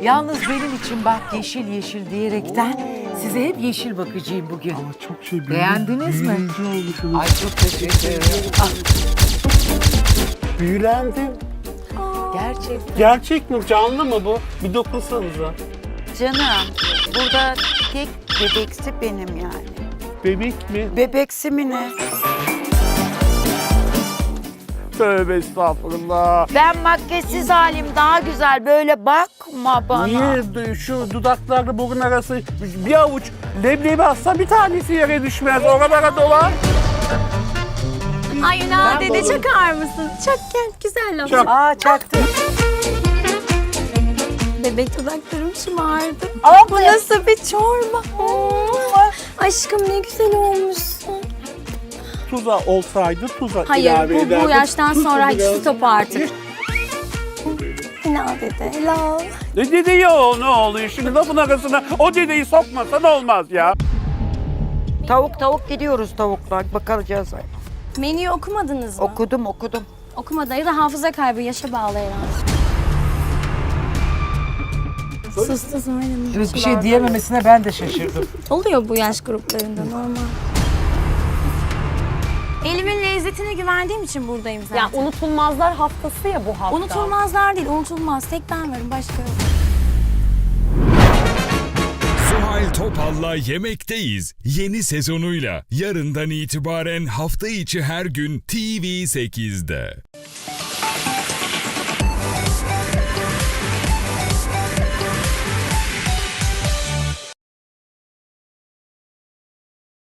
Yalnız benim için bak yeşil yeşil diyerekten size hep yeşil bakıcıyım bugün. Ama çok şey Beğendiniz mi? büyüleyici olmuşsunuz. Ay çok teşekkür ederim. Ah, Büyülendim. gerçekten. Gerçek mi? Canlı mı bu? Bir dokunsanıza. Canım, burada tek bebeksi benim yani. Bebek mi? Bebeksi mi ne? Tövbe estağfurullah. Ben makyajsız halim daha güzel. Böyle bakma bana. Niye şu dudaklarla burun arası bir avuç leblebi atsa bir tanesi yere düşmez. Oralara dolar. Ay Ünal Ben dede balım. çakar mısın? Çok güzel laf. Çok. Aa çaktı. Bebek dudaklarım şımardı. Aa, Bu nasıl bir çorba? Aşkım ne güzel olmuşsun. Tuza olsaydı tuza Hayır ilave bu ederdim. yaştan Tuzu sonra hiç biraz- stop artık. Ünal dede helal. Ne dedi ya o ne oluyor şimdi lafın arasına o dedeyi sokmasan olmaz ya. Tavuk gidiyoruz tavuklar. Bakacağız. Menüyü okumadınız mı? Okudum. Okumadı ya da hafıza kaybı yaşa bağlı herhalde. Sustu Zuhal'im. Evet, bir şey diyememesine ben de şaşırdım. Oluyor bu yaş gruplarında normal. Elimin lezzetine güvendiğim için buradayım zaten. Ya unutulmazlar haftası ya bu hafta. Unutulmazlar değil, unutulmaz. Tek ben varım, başka yok. Zuhal Topal'la Yemekteyiz yeni sezonuyla yarından itibaren hafta içi her gün TV8'de.